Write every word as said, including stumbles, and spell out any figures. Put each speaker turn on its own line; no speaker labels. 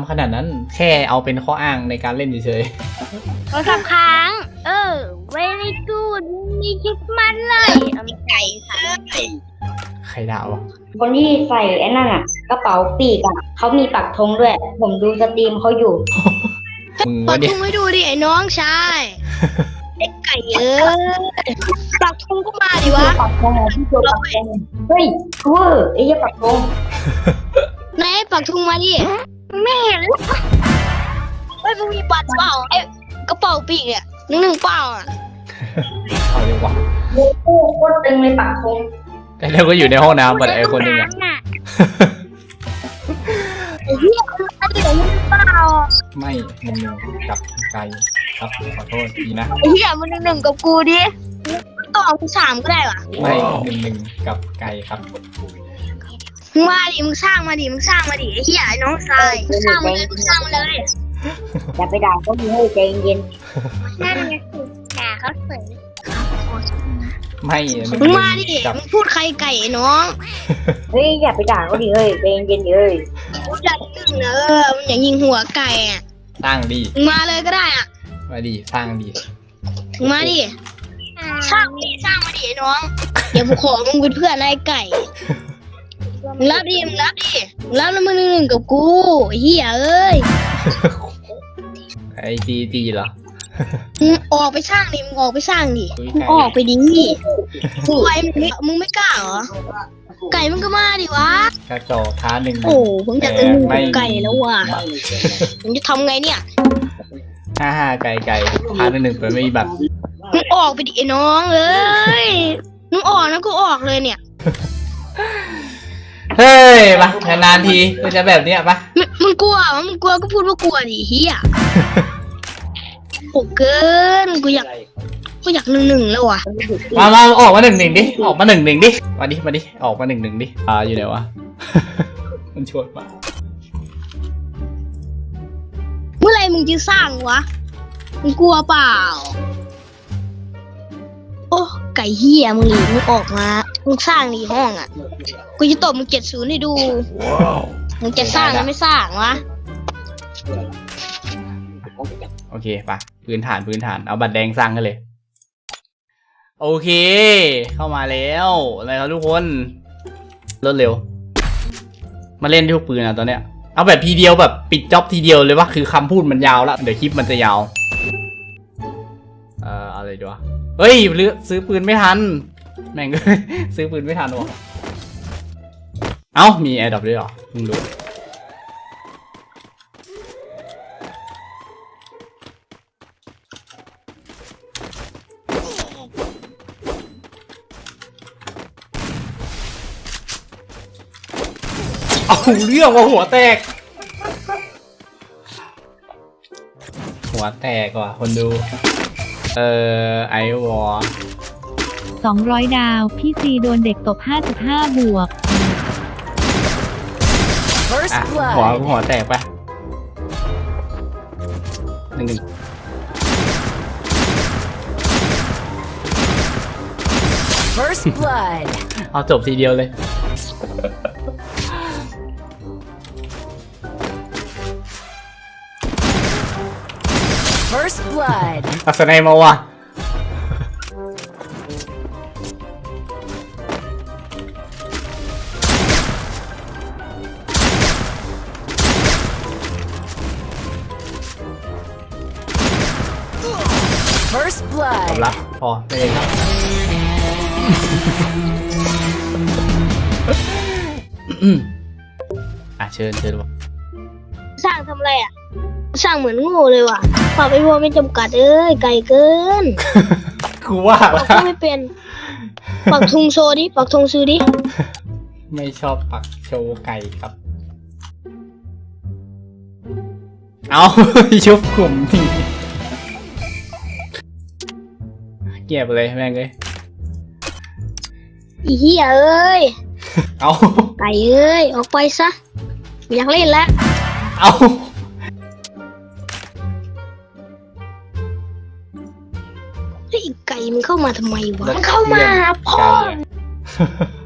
ำขนาดนั้นแค่เอาเป็นข้ออ้างในการเล่นเฉย
โทรศัพท์ค้างเออ very good มีคิดมันเลยเอาไก่ค่ะ
ใครด่าวะ
คนที่ใส่ไอ้นั่นอ่ะกระเป๋าปีกอ่ะเขามีปักธงด้วยผมดูสตรีมเขาอยู่
มึง
ปั
วะ
ก
ดิ
ธงให้ดูดิไอ้น้องชายไอ้ไก่เอ้ยปักธงก็มาดิวะ
ปักธงที่ตัวปักธงเฮ้ยเวอร์ไอ้ยี่ปักธง
ไหนปักธงมาดิไม่เห็นเฮ้ยมึงมีบัตรเปล่าไอ้กระเป๋าปีกเนี่ยหนึ่งหนึ่งเปล่าอ่ะ
เอาดีกว่า
โอ้โหโคตรตึงเลยปักธง
แต่เราก็อยู่ในห้องน้ำบัดไอ้คนนึงอ่ะ
ไอ้เหี้ยคืออันเดียวมึงเปล่า
ไม่มึงกับไก่ครับขอโทษทีนะ
ไอ้เหี้ยมึงหนึ่งหนึ่งกับกูดิต่อมึงสามก็ได้วะ
ไม่หนึ่งหนึ่งกับไก่ครับ
มึงมาดิมึงสร้างมาดิมึงสร้างมาดิไอ้เหี้ยไอ้น้องชายมึงสร้างมาเลยมึงสร้างมาเลย
อย่าไปด่าเขาดีให้ใจเย็น
นั่นไงสิด่าเขาเฉย
ไม่
มึงมาดิมึงพูดใครไก่น้อง
เฮ้ยอย่าไปด่าเขาดิเฮ้ยใจเย็นๆเลย
พูดดังนึงเนอะมึงอย่ายิงหัวไก่อ่ะ
สร้างดี
มึงมาเลยก็ได้อ่ะ
มาดิสร้างดี
มึงมาดิสร้างดิสร้างมาดิน้องเดี๋ยวกูขอมึงเป็นเพื่อนไอ้ไก่มึงรับดิมึงรับดิมึงรับแล้วมึงหนึ่งหนึ่งกับกูเฮียเอ้ย
ไอ้จีจีเหรอ
มึงออกไปสร้างดิมึงออกไปสร้างดิมึงออกไปดิมึงไปมึงไม่มึงไม่กล้าเหรอไก่มึงก็มาดิวะ
กระจอกท้าหนึ่ง
โอ้ผมอยากจะมึงไก่แล้วว่ะผมจะทำไงเนี่ย
ห้าห้าไก่ไก่ท้าหนึ่งหนึ่งไปไม่มีบัตร
มึงออกไปดิไอ้น้องเอ้ยมึงออกนะกูออกเลยเนี่ย
เฮ้ยมานานทีก็จะแบบเนี้ยปะ
มึงกลัวมึงกลัวก็พูดว่ากลัวดิเฮียโหเกินกูอยากกูอยากหนึ่งหนึ่งแล้วว่ะ
มามาออกมาหนึ่งหนึ่งดิออกมาหนึ่งหนึ่งดิมาดิมาดิออกมาหนึ่งหนึ่งดิอ่าอยู่ไหนวะมันชวนมา
เมื่อไรมึงจะสร้างวะมึงกลัวเปล่าโอ้ไก่เฮียมึงหลีมึงออกมามึงสร้างในห้องอ่ะกูจะตบมึงเจ็ดศูนย์ให้ดูมึงจะสร้างหรือไม่สร้างวะ
โอเคปะพื้นฐานพื้นฐานเอาบัตรแดงสร้างกันเลยโอเคเข้ามาแล้วอะไรครับทุกคนรวดเร็วมาเล่นทุกปืนอ่ะตอนเนี้ยเอาแบบทีเดียวแบบปิดจ็อบทีเดียวเลยว่าคือคำพูดมันยาวแล้วเดี๋ยวคลิปมันจะยาวเอ่ออะไรดีวะเฮ้ยซื้อปืนไม่ทันแม่งซื้อปืนไม่ทันวะเอ้ามีแอร์ดรอปด้วยเหรอมึงรู้เอาเรื่องว่าหัวแตกหัวแตกว่ะคนดูเอ่อไอวอร์
สองร้อยดาวพี่ซีโดนเด็กตบ ห้าจุดห้า บวก
อ่ะหัวหัวแตกปะหนึ่งหนึ่งเอาจบทีเดียวเลยอัศนัยมาว่ะจบละพอไม่เลยครับอ่ะเชิญเชิญว่ะ
สร้างทำอะไรอ่ะสร้างเหมือนโง่เลยว่ะปรับไอ้พวกไม่จำกัดเอ้ยไก่เกิน
กูว่า
ปักไม่เป็นปักธงโชว์ดิปักธงซื้อดิ
ไม่ชอบปักโชว์ไก่ครับเอาชุบกลุ่มนี่เก็บเลยแม่งเลย
อีเหี้ยเอ้ย
เอา
ไก่เอ้ยออกไปซะไม่อยากเล่นแล้ว
เอา
ไอ้ไก่มันเข้ามาทำไมวะมันเข้ามาพ่อ